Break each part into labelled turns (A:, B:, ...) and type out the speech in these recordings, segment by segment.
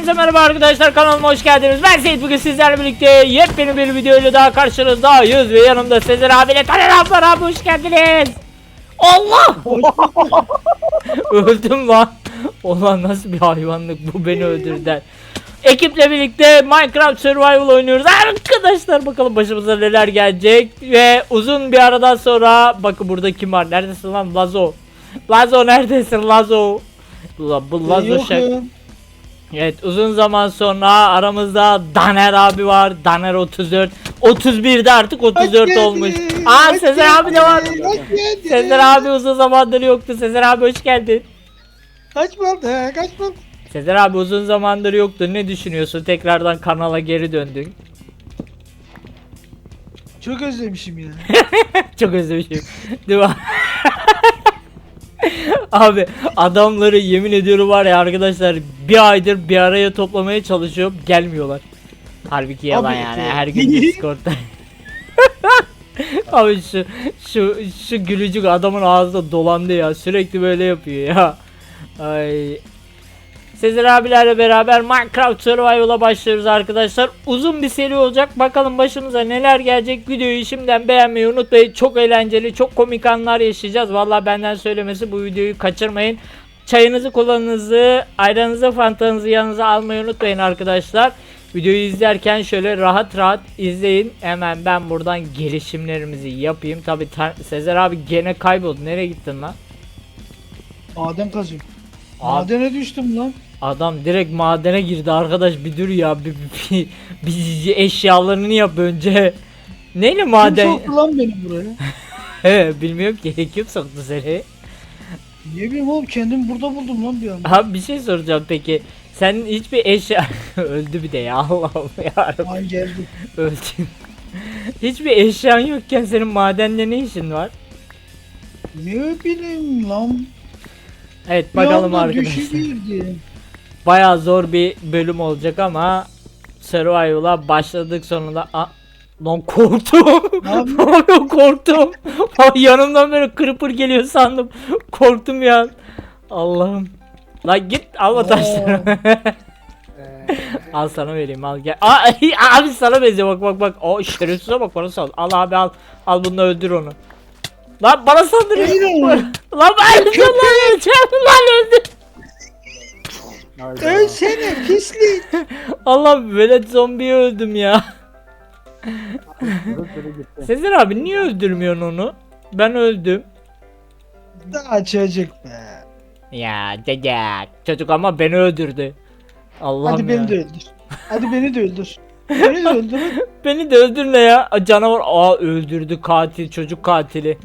A: Hepinize merhaba arkadaşlar, kanalıma hoş geldiniz. Ben Seyit, bugün sizlerle birlikte yepyeni bir videoyla daha karşınızdayız ve yanımda Sezer abiyle Taner abi var. Abi hoş geldiniz. Allah! Öldüm lan. Ulan nasıl bir hayvanlık bu, beni öldürdüler. Ekiple birlikte Minecraft Survival oynuyoruz arkadaşlar, bakalım başımıza neler gelecek. Ve uzun bir aradan sonra bakın burada kim var, neredesin lan Lazo? Lazo neredesin Lazo? Bu Lazo Evet, uzun zaman sonra aramızda Daner abi var. Daner 34. 31'de artık 34 olmuş. Aa, Sezer abi de var. Sezer abi uzun zamandır yoktu. Sezer abi hoş geldin.
B: Kaç oldu?
A: Sezer abi uzun zamandır yoktu. Ne düşünüyorsun? Tekrardan kanala geri döndün.
B: Çok özlemişim ya.
A: Çok özlemişim. Değil mi? Abi adamları yemin ediyorum var ya arkadaşlar, bir aydır bir araya toplamaya çalışıyorum, gelmiyorlar. Halbuki yalan
B: Abi,
A: yani, her gün Discord'da. Abi şu gülücük adamın ağzında dolandı ya, sürekli böyle yapıyor ya. Ay. Sezer abilerle beraber Minecraft Survival'a başlıyoruz arkadaşlar. Uzun bir seri olacak. Bakalım başımıza neler gelecek. Videoyu şimdiden beğenmeyi unutmayın. Çok eğlenceli, çok komik anlar yaşayacağız. Vallahi benden söylemesi, bu videoyu kaçırmayın. Çayınızı, kolanızı, ayranınızı, fantanızı yanınıza almayı unutmayın arkadaşlar. Videoyu izlerken şöyle rahat rahat izleyin. Hemen ben buradan gelişimlerimizi yapayım. Tabi Sezer abi gene kayboldu. Nereye gittin lan?
B: Maden kazıyorum. Madene düştüm lan.
A: Adam direkt madene girdi arkadaş, bir dur ya, bir eşyalarını yap önce. Neyle maden?
B: Kim soktu lan beni buraya?
A: He, bilmiyorum ki, kim soktu seni?
B: Ne bileyim oğlum, kendimi burada buldum lan bir anda.
A: Abi bir şey soracağım, peki senin hiçbir eşya öldü bir de ya, Allah'ım yarabbim.
B: Ay geldi.
A: Öldün. Hiçbir eşyan yokken senin madende ne işin var?
B: Ne bileyim lan.
A: Evet
B: Bir
A: bakalım
B: anda
A: arkadaşlar.
B: düşüverdi.
A: Bayağı zor bir bölüm olacak ama Survival'a başladık sonunda. Lan korktum.
B: Abi.
A: Abi korktum. Yanımdan böyle creeper geliyor sandım. Korktum ya. Allah'ım. Lan git alma taşları. Al sana vereyim, al gel. Abi sana benziyor, bak. O şerefsize bak, bana sal. Al abi al. Al bunu, öldür onu. Lan bana saldırıyor. Lan ben öleceğim lan öldür.
B: Ölsene pislik.
A: Allah, velet zombiyi öldüm ya. Sezer abi niye öldürmüyorsun onu? Ben öldüm.
B: Daha çocuk be.
A: Ya dede çocuk ama beni öldürdü. Allah'ım
B: Hadi
A: ya.
B: beni de öldür. Hadi beni de öldür. Beni de öldür.
A: Beni de öldür ne ya? Canavar öldürdü, katil, çocuk katili.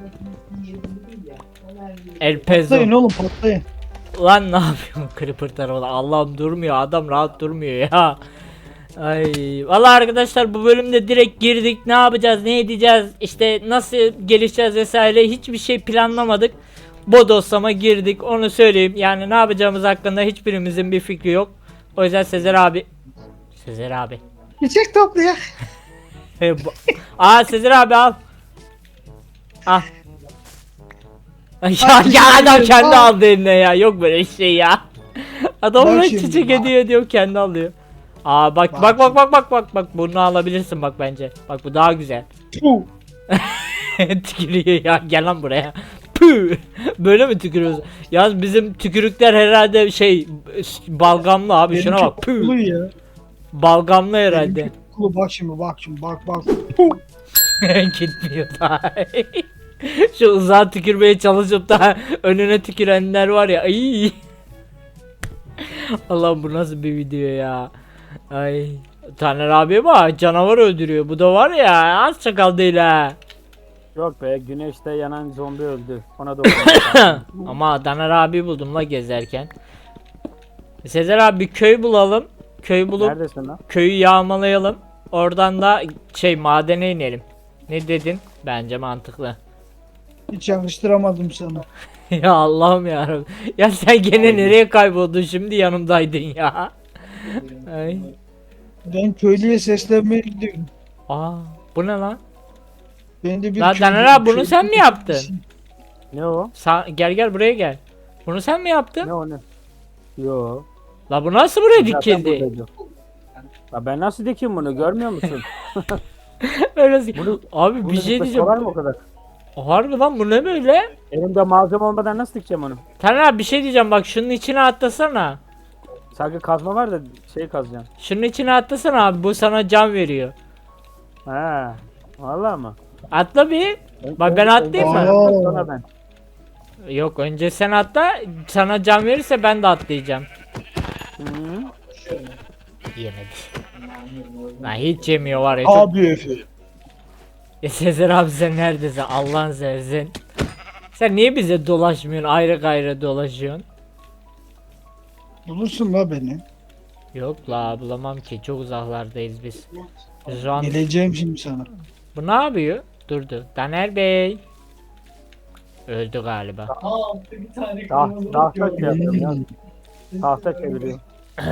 A: El Pezo.
B: Patlayın oğlum, patlayın.
A: Lan ne yapıyorsun creeper tarafında? Allah'ım durmuyor adam, rahat durmuyor ya. Ay vallahi arkadaşlar, bu bölümde direkt girdik. Ne yapacağız, ne edeceğiz, işte nasıl gelişeceğiz vesaire, hiçbir şey planlamadık. Bodoslama girdik, onu söyleyeyim. Yani ne yapacağımız hakkında hiçbirimizin bir fikri yok. O yüzden Sezer abi
B: Çiçek topluyor.
A: Sezer abi al. Al. Ya adam kendi aldı eline ya. Yok böyle şey ya. Adam
B: Bak
A: ona
B: şimdi,
A: çiçek
B: bak.
A: hediye ediyor, kendi alıyor. Bak bunu alabilirsin bak bence. Bak bu daha güzel.
B: Puh.
A: Tükürüyor ya, gel lan buraya. Püh. Böyle mi tükürüyoruz? Yalnız bizim tükürükler herhalde balgamlı abi,
B: Benimki
A: şuna bak.
B: kokulu
A: Püh.
B: ya.
A: Balgamlı herhalde.
B: Benimki kokulu, bak şimdi bak.
A: Gitmiyor daha. Şu uzağa tükürmeye çalışıp da önüne tükürenler var ya. Ay. Allah'ım bu nasıl bir video ya. Ay. Taner abi bak, canavar öldürüyor. Bu da var ya, az çakal değil ha.
C: Yok be, güneşte yanan zombi öldü. Ona da
A: Ama Taner abi buldum la gezerken. Sezer abi bir köy bulalım. Köy bulup
C: Neredesin lan?
A: köyü yağmalayalım. Oradan da madene inelim. Ne dedin? Bence mantıklı.
B: Hiç yakıştıramadım sana.
A: Ya Allah'ım ya. Ya sen gene nereye kayboldun, şimdi yanımdaydın ya. Ay.
B: Ben köylüye seslenmeye gidiyorum.
A: Bu ne lan?
B: Ben de bir
A: Lan Taner abi bunu sen mi yaptın?
C: Ne o?
A: Gel buraya gel. Bunu sen mi yaptın?
C: Ne o ne? Yo.
A: La bu nasıl buraya
C: Zaten
A: dikildi?
C: buradaydı. Ya ben nasıl dikeyim bunu görmüyor musun?
A: Öyle
C: Bunu,
A: abi
C: bunu
A: bir şey
C: dikmek
A: diyeceğim.
C: kolay mı o kadar?
A: Harbi lan bu ne böyle?
C: Elimde malzeme olmadan nasıl dikeceğim onu?
A: Taner abi bir şey diyeceğim bak şunun içine atlasana.
C: Sanki kazma var da şey kazacağım.
A: Şunun içine atlasana abi bu sana can veriyor.
C: He. Vallahi mı?
A: Atla bir. Bak ben atlayayım mı?
B: Aa.
C: Sonra ben.
A: Yok önce sen atla sana can verirse ben de atlayacağım.
C: Hı.
A: Yemedi. Lan hiç yemiyor var ya.
B: Abi Efe.
A: Sezer abi sen neredesin Allah'ın seversen. Sen niye bize dolaşmıyorsun ayrı gayrı dolaşıyorsun?
B: Bulursun la beni.
A: Yok la bulamam ki çok uzaklardayız biz. Şu an
B: Geleceğim şimdi sana.
A: bu ne yapıyor? Durdu. Taner Bey. Öldü galiba.
C: Tahta şey yapıyorum ya. Tahta çeviriyorum.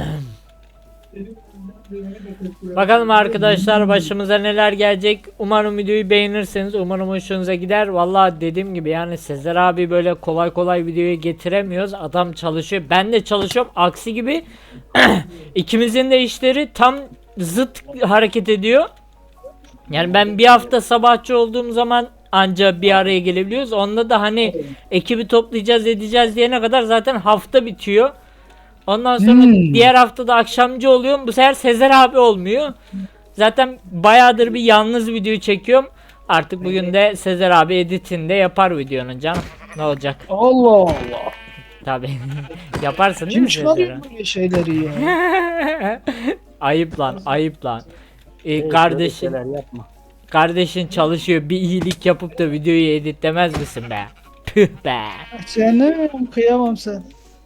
A: Bakalım arkadaşlar başımıza neler gelecek. Umarım videoyu beğenirsiniz. Umarım hoşunuza gider. Vallahi dediğim gibi yani Sezer abi böyle kolay kolay videoyu getiremiyoruz. Adam çalışıyor. Ben de çalışıyorum. Aksi gibi ikimizin de işleri tam zıt hareket ediyor. Yani ben bir hafta sabahçı olduğum zaman anca bir araya gelebiliyoruz. Onda da hani ekibi toplayacağız edeceğiz diyene kadar zaten hafta bitiyor. Ondan sonra diğer hafta da akşamcı oluyorum. Bu sefer Sezer abi olmuyor. Zaten bayağıdır bir yalnız video çekiyorum. Artık bugün de Sezer abi editinde yapar videonun canım. Ne olacak?
B: Allah Allah.
A: Tabi. Yaparsın değil
B: Kim
A: mi Sezer
B: çıkarıyor
A: abi?
B: böyle şeyleri ya?
A: Ayıp lan, ayıp lan.
C: Hey,
A: Kardeşin,
C: böyle şeyler yapma.
A: kardeşin çalışıyor. Bir iyilik yapıp da videoyu editlemez misin be? Püh be.
B: Sen ne kıyamam sen.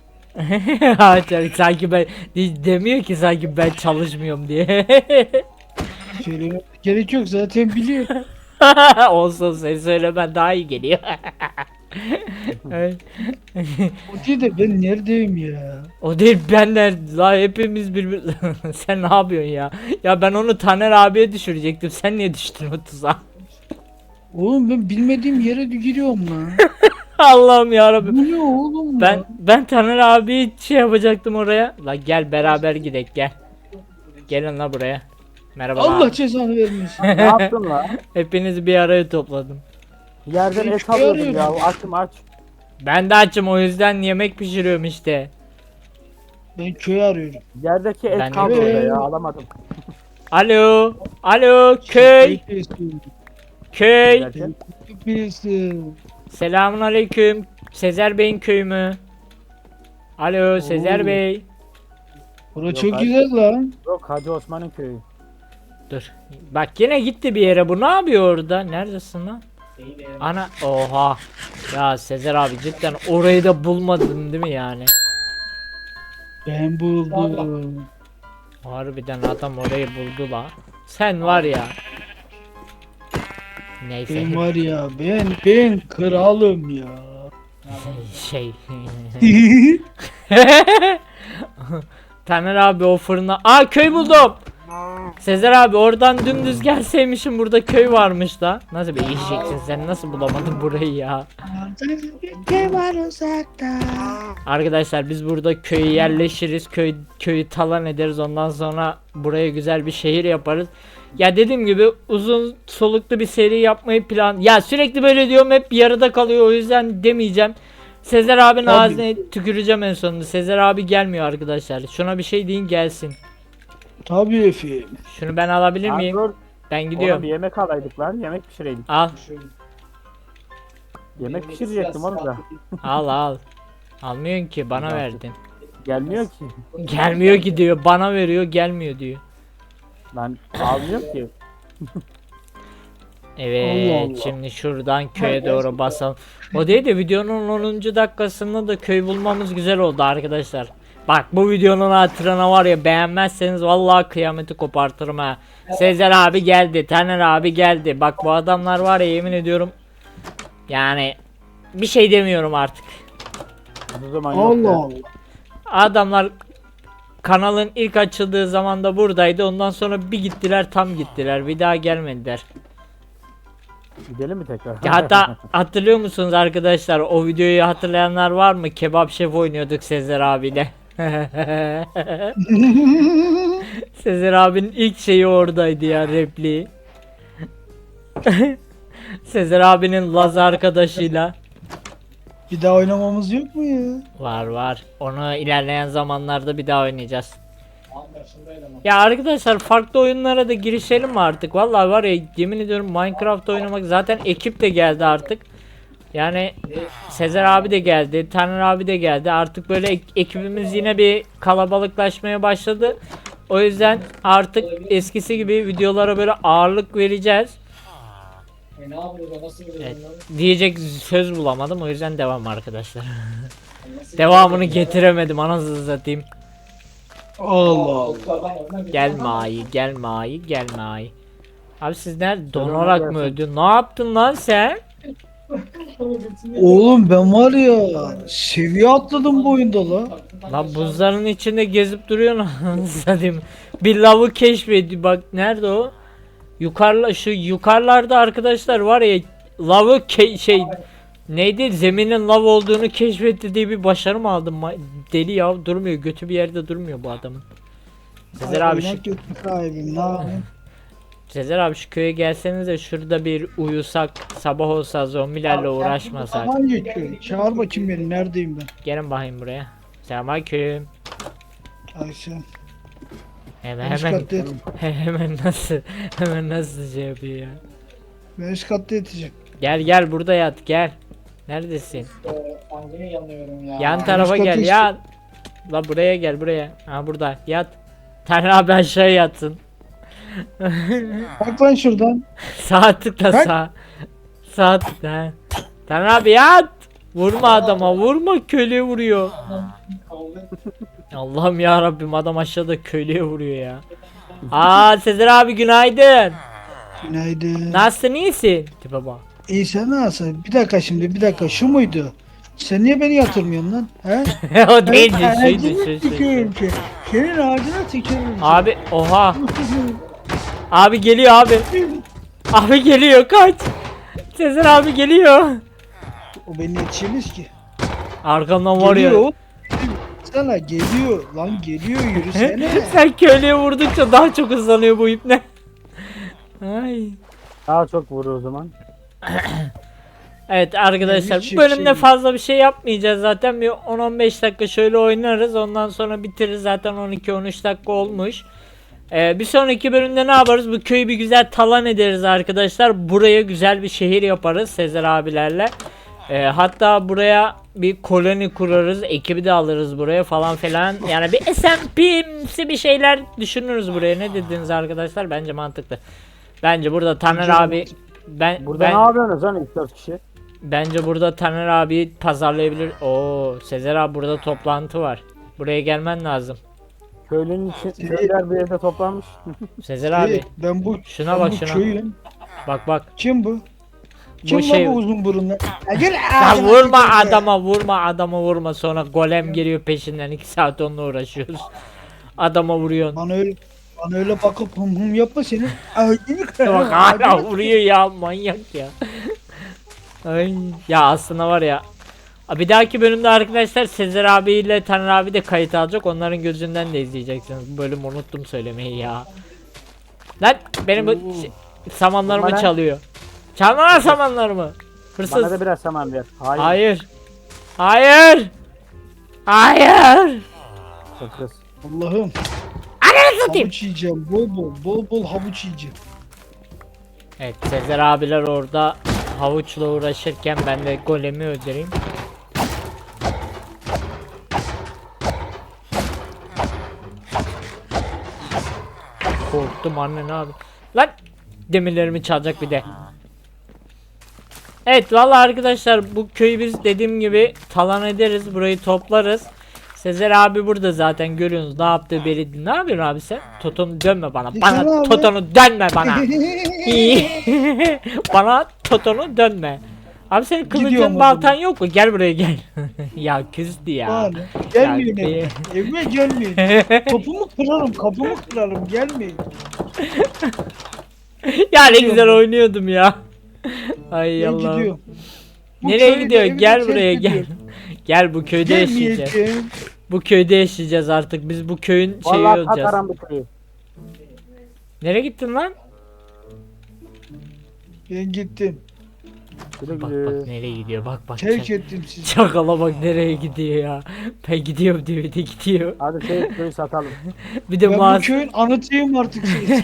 A: Sanki ben demiyor ki sanki ben çalışmıyorum diye.
B: Söylemeye gerek yok zaten biliyor.
A: Olsun sen söylemen daha iyi geliyor. Evet.
B: O değil de ben neredeyim ya?
A: O değil benler la hepimiz birbir sen ne yapıyorsun ya? Ya ben onu Taner abiye düşürecektim. Sen niye düştün o tuzağa?
B: Oğlum ben bilmediğim yere giriyorum lan.
A: Allah'ım ya Rabbim.
B: Bu ne oğlum lan?
A: Ben Taner abi şey yapacaktım oraya. La gel beraber gidek gel. Gelin la buraya. Merhaba.
B: Allah cezanı vermesin.
C: Ne yaptın la?
A: Hepinizi bir araya topladım.
C: Yerden
B: Ben
C: et
B: köy
C: alıyordum
B: arıyorum.
C: ya. Açım aç.
A: Ben de açım o yüzden yemek pişiriyorum işte.
B: Ben köy arıyorum.
C: Yerdeki et
A: Ben
C: kaldı
B: de-
C: orada ya. Alamadım.
A: Alo. Alo köy. Köy.
C: Derken,
B: Birisi.
A: Selamun aleyküm. Sezer Bey'in köyü mü? Alo Sezer
B: Oo.
A: Bey.
B: Bura
C: Yok
B: çok
C: abi.
B: güzel lan.
C: Yok Hacı Osman'ın köyü.
A: Dur. Bak yine gitti bir yere. Bu ne yapıyor orada? Neredesin lan? Ana oha. Ya Sezer abi cidden orayı da bulmadın değil mi yani?
B: Ben buldum.
A: Harbiden adam orayı buldu la. Sen var ya. Neyse.
B: Ben var ya ben kralım ya.
A: Şey. Taner abi o fırına. Aa köy buldum. Sezer abi oradan dümdüz gelseymişim burada köy varmış da. Nasıl bir eşeksin sen nasıl bulamadın burayı ya?
B: Ne var uzakta?
A: Arkadaşlar biz burada köyü yerleşiriz. Köyü talan ederiz. Ondan sonra buraya güzel bir şehir yaparız. Ya dediğim gibi uzun soluklu bir seri yapmayı Ya sürekli böyle diyorum hep yarıda kalıyor o yüzden demeyeceğim. Sezer abinin
B: Tabii.
A: ağzına tüküreceğim en sonunda. Sezer abi gelmiyor arkadaşlar. Şuna bir şey deyin gelsin.
B: Tabii efendim.
A: Şunu ben alabilir
C: Lan
A: miyim?
C: dur.
A: Ben
C: Oğlum
A: gidiyorum.
C: bir yemek alaydık lan. Yemek pişireydik.
A: Al.
C: Yemek pişirecektim oğlum da.
A: Al. Almıyorsun ki bana verdin.
C: Gelmiyor ki.
A: Gelmiyor ki diyor. Bana veriyor gelmiyor diyor.
C: Lan almıyor ki.
A: Evet
B: Allah Allah.
A: şimdi şuradan köye doğru basalım. O değil de videonun 10. dakikasında da köy bulmamız güzel oldu arkadaşlar. Bak bu videonun hatırına var ya beğenmezseniz vallahi kıyameti kopartırım ha. Sezer abi geldi, Taner abi geldi. Bak bu adamlar var ya yemin ediyorum. Yani bir şey demiyorum artık.
C: O zaman yok
B: Allah
C: ya.
B: Allah.
A: Adamlar kanalın ilk açıldığı zamanda buradaydı. Ondan sonra bir gittiler tam gittiler. Bir daha gelmediler.
C: Gidelim mi tekrar?
A: Ya hatta hatırlıyor musunuz arkadaşlar o videoyu hatırlayanlar var mı? Kebap Şef oynuyorduk Sezer abiyle. Sezer abinin ilk şeyi oradaydı ya, repliği. Sezer abinin Laz arkadaşıyla.
B: Bir daha oynamamız yok mu ya?
A: Var var. Onu ilerleyen zamanlarda bir daha oynayacağız. Ya arkadaşlar, farklı oyunlara da girişelim mi artık? Vallahi var ya, yemin ediyorum Minecraft oynamak, zaten ekip de geldi artık. Yani Sezer abi de geldi, Taner abi de geldi. Artık böyle ekibimiz yine bir kalabalıklaşmaya başladı. O yüzden artık eskisi gibi videolara böyle ağırlık vereceğiz. Evet, diyecek söz bulamadım, o yüzden devam arkadaşlar. Devamını getiremedim, anasını satayım.
B: Allah Allah.
A: Gelme ayı, gelme ayı, gelme ayı. Abi siz nerede donarak mı öldün? Ne yaptın lan sen?
B: Oğlum ben var ya seviye atladım bu oyunda la.
A: Lan buzların içinde gezip duruyorsun, anasını satayım. Bir lavı keşfedi, bak nerede o? Şu yukarılarda arkadaşlar var ya, lavı neydi, zeminin lav olduğunu keşfetti diye bir başarı mı aldım? Deli ya, durmuyor, götü bir yerde durmuyor bu adamın. Sezer abi şu
B: Oynak yok ki sahibim, ne yapayım?
A: Sezer abi şu köye gelseniz de şurada bir uyusak, sabah olsa, zombilerle uğraşmasak.
B: Hangi köy? Çağır bakayım beni, neredeyim ben?
A: Gelin bakayım buraya. Selamünaleyküm.
B: Ayşe.
A: Hemen
B: Üst
A: hemen
B: katta yat.
A: hemen nasıl şey yapıyor ya.
B: Ben üst katta yatacağım.
A: Gel gel, burada yat, gel. Neredesin?
D: Angine yanıyorum ya.
A: Yan tarafa
B: üst
A: gel
B: katı
A: ya. La buraya gel, buraya. Ha burada yat. Taner abi aşağı yatsın.
B: Bak lan şuradan.
A: Sağ tıkla,
B: Bak.
A: sağ. Sağ tıkla. Taner abi yat. Vurma adama, vurma, köylüye vuruyor. Allah'ım ya Rabbim, adam aşağıda köylüye vuruyor ya. Aa Sezer abi günaydın.
B: Günaydın.
A: Nasılsın, iyisin? Tipe bak.
B: İyi sen nasılsın? Bir dakika şimdi, bir dakika, şu muydu? Sen niye beni yatırmıyorsun lan? He?
A: O değildi,
B: Ben
A: şuydu,
B: ağacına
A: şu.
B: tükürürüm ki. Senin ağacına tükürürüm.
A: Abi oha. Abi geliyor abi. Abi geliyor, kaç. Sezer abi geliyor.
B: O beni yetişemez ki.
A: Arkamdan var ya.
B: Geliyor. Sana geliyor. Lan geliyor, yürüsene.
A: Sen köylüye vurdukça daha çok hızlanıyor bu ipne. Ay.
C: Daha çok vurur o zaman.
A: Evet arkadaşlar,
B: hiç
A: bu bölümde
B: şey-
A: fazla bir şey yapmayacağız zaten. Bir 10-15 dakika şöyle oynarız, ondan sonra bitiririz, zaten 12-13 dakika olmuş. Bir sonraki bölümde ne yaparız? Bu köyü bir güzel talan ederiz arkadaşlar. Buraya güzel bir şehir yaparız Sezer abilerle. Hatta buraya bir koloni kurarız, ekibi de alırız buraya falan filan. Yani bir SMP'si bir şeyler düşünürüz buraya. Ne dediniz arkadaşlar? Bence mantıklı. Bence burada Taner
B: Bence
A: abi
B: mantıklı.
C: Burada ne yapıyorsunuz lan 3-4 kişi?
A: bence burada Taner abi pazarlayabilir. Oo, Sezer abi burada toplantı var. Buraya gelmen lazım.
C: Köylünün için köyler bir yerde toplanmış.
A: Sezer abi
B: Hey, ben bu
A: şuna
B: ben
A: bak,
B: bu
A: şuna.
B: köyün.
A: Bak bak.
B: Kim bu? Kim
A: Bu
B: bu
A: şey.
B: bu uzun burunlu? Ya gel
A: Ya
B: ağzına
A: vurma
B: tükürme.
A: adama vurma, sonra golem geliyor peşinden, 2 saat onunla uğraşıyoruz. Adama vuruyorsun.
B: Bana öyle bakıp hım hım yapma senin. Ağzını kırarım.
A: Bak hala vuruyor ya, manyak ya. Ay ya, aslında var ya. Bir dahaki bölümde arkadaşlar Sezer abiyle Taner abi de kayıt alacak. Onların gözünden de izleyeceksiniz. Bu bölümü unuttum söylemeyi ya. Lan benim bu samanlarımı
C: Bana-
A: çalıyor. Çalma lan samanlarımı. Hırsız.
C: Bana da biraz saman ver. Hayır.
A: Hayır. Hayır. Hayır.
C: Sakız.
B: Allah'ım.
A: Ananı satayım.
B: Havuç yiyeceğim. Bol bol havuç yiyeceğim.
A: Evet, Sezer abiler orada havuçla uğraşırken ben de golemi öldüreyim. Korktum anne, ne abi. Lan demirlerimi çalacak bir de. Evet vallahi arkadaşlar, bu köyü biz dediğim gibi talan ederiz, burayı toplarız. Sezer abi burada zaten, görüyorsunuz ne yaptığı belli. Ne yapıyorsun abi sen? Totonu dönme bana.
B: Sezer
A: Bana
B: abi.
A: Totonu dönme bana. Bana Totonu dönme. Abi senin
B: Gidiyorum
A: kılıcın
B: o
A: baltan
B: zaman.
A: yok mu? Gel buraya gel. Ya küstü ya.
B: Bana. Gelmeyin
A: Ya,
B: evime. Evime gelmeyin. Kapımı kırarım, kapımı kırarım. Gelmeyin.
A: Ya ne güzel oynuyordum ya. Ay
B: Ben
A: Allah.
B: gidiyorum. Bu
A: Nereye
B: köyü
A: gidiyor?
B: evime
A: Gel
B: terk
A: buraya gel.
B: ediyorum.
A: Gel bu köyde yaşayacağız.
B: Gelmeyeceğim.
A: Bu köyde yaşayacağız artık. Biz bu köyün şeyi
C: Vallahi
A: olacağız.
C: satarım bu köyü.
A: Nereye gittin lan?
B: Ben gittim.
C: Güle
A: Bak
C: güle.
A: bak nereye gidiyor. Bak bak.
B: Terk ettim sizi.
A: Çakala bak nereye gidiyor ya. Ben gidiyorum diyor bir de gidiyor.
C: Hadi köyü satalım.
A: Bir de
B: Ben bu
A: mağaz.
B: köyün anıtıyım artık. Siz.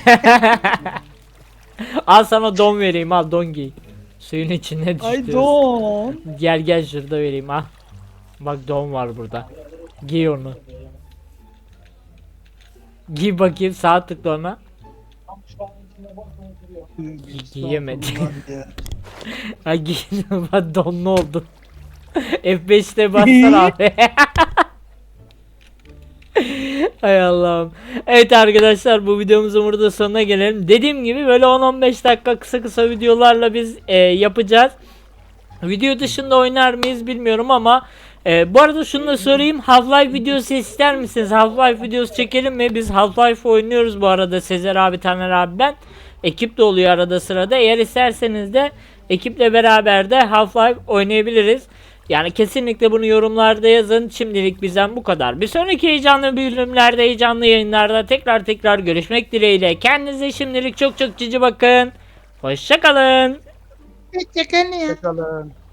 A: Al sana don vereyim al don giy. Suyun içine
B: Ay
A: düştü.
B: don.
A: Gel gel şurada vereyim ha. Bak don var burada. Giy onu. Giy bakayım sağ tıkla ona.
D: Tam şu an içinde bakmayı duruyor.
A: Giyemedim.
B: Estağfurullah ya.
A: Ha giy. Bak donlu oldun. F5'te bassana abi. Hay Allah'ım. Evet arkadaşlar bu videomuzun burada sonuna gelelim. Dediğim gibi böyle 10-15 dakika kısa kısa videolarla biz yapacağız. Video dışında oynar mıyız bilmiyorum ama bu arada şunu da sorayım. Half-Life videosu ister misiniz? Half-Life videosu çekelim mi? Biz Half-Life oynuyoruz bu arada. Sezer abi, Taner abi ben. Ekip de oluyor arada sırada. Eğer isterseniz de ekiple beraber de Half-Life oynayabiliriz. Yani kesinlikle bunu yorumlarda yazın. Şimdilik bizden bu kadar. Bir sonraki heyecanlı bölümlerde, heyecanlı yayınlarda tekrar görüşmek dileğiyle. Kendinize şimdilik çok cici bakın. Hoşça kalın.
B: Hoşçakalın ya.
C: Hoşçakalın.